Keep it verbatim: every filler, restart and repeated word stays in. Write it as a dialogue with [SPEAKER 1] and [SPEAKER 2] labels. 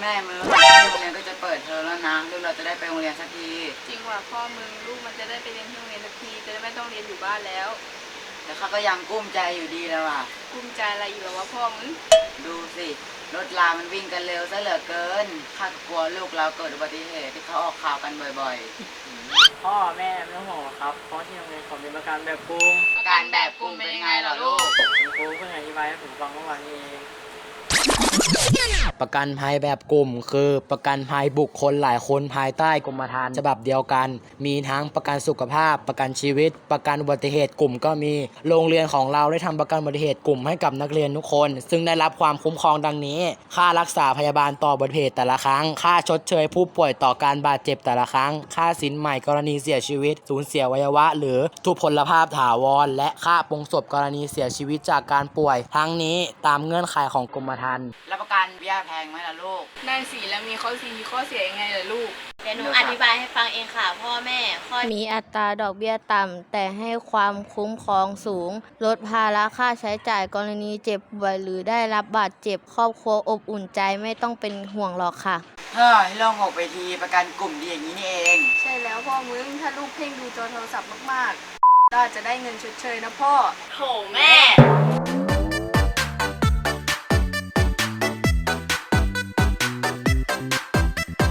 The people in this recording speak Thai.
[SPEAKER 1] แม่มึงโรงเรียนก็จะเปิดเทอมแล้วนะลูกเราจะได้ไปโรงเรียนสักที
[SPEAKER 2] จริงว่ะพ่อมึงลูกมันจะได้ไปเรียนที่โรงเรียนสักทีจะได้ไม่ต้องเรียนอยู่บ้านแล้ว
[SPEAKER 1] แต่เขาก็ยังกุ้มใจอยู่ดีแล้วอ่ะ
[SPEAKER 2] กุ้มใจอะไรอยู่หรอวะพ่อมึง
[SPEAKER 1] ดูสิรถรามันวิ่งกันเร็วซะเหลือเกินข้ากลัวลูกเราเกิดอุบัติเหตุที่เขาออกข่าวกันบ่อย
[SPEAKER 3] พ่อแม่ไม่ต้องห่วงครับเพราะที่โรงเรียนผมมีประกันแบบกลุ่ม
[SPEAKER 1] ๆการแบบกลุ่มเป็นยังไงเหรอลูก
[SPEAKER 3] คุณครูเพิ่งอธิบายให้ผมฟังเมื่อวานนี้เอง
[SPEAKER 4] ประกันภัยแบบกลุ่มคือประกันภัยบุคคลหลายคนภายใต้กรมธรรม์ฉบับเดียวกันมีทั้งประกันสุขภาพประกันชีวิตประกันอุบัติเหตุกลุ่มก็มีโรงเรียนของเราได้ทำประกันอุบัติเหตุกลุ่มให้กับนักเรียนทุกคนซึ่งได้รับความคุ้มครองดังนี้ค่ารักษาพยาบาลต่ออุบัติเหตุแต่ละครั้งค่าชดเชยผู้ป่วยต่อการบาดเจ็บแต่ละครั้งค่าสินใหม่กรณีเสียชีวิตสูญเสียอวัยวะหรือทุพพลภาพถาวรและค่าปลงศพกรณีเสียชีวิตจากการป่วยทั้งนี้ตามเงื่อนไขของกรมธรรม์
[SPEAKER 1] แล้วประกันเบี้ยแพงไหมล่ะลูก
[SPEAKER 2] ได้สิแล้วมีข้อดีข้อเสียยังไงล่ะลูก
[SPEAKER 5] เดี๋ยวหนูอธิบายให้ฟังเองค่ะพ่อแม่ข้อ
[SPEAKER 6] มีอัตราดอกเบี้ยต่ำแต่ให้ความคุ้มครองสูงลดภาระค่าใช้จ่ายกรณีเจ็บป่วยหรือได้รับบาดเจ็บครอบครัวอบอุ่นใจไม่ต้องเป็นห่วงหรอกค่ะ
[SPEAKER 1] เฮ้ยโล่งอกไปทีประกันกลุ่มดีอย่างนี้นี่เอง
[SPEAKER 2] ใช่แล้วพ่อมึงถ้าลูกเพ่งดูจอโทรศัพท์มากๆก็อาจจะได้เงินชดเชยนะพ่อ
[SPEAKER 5] โถแม่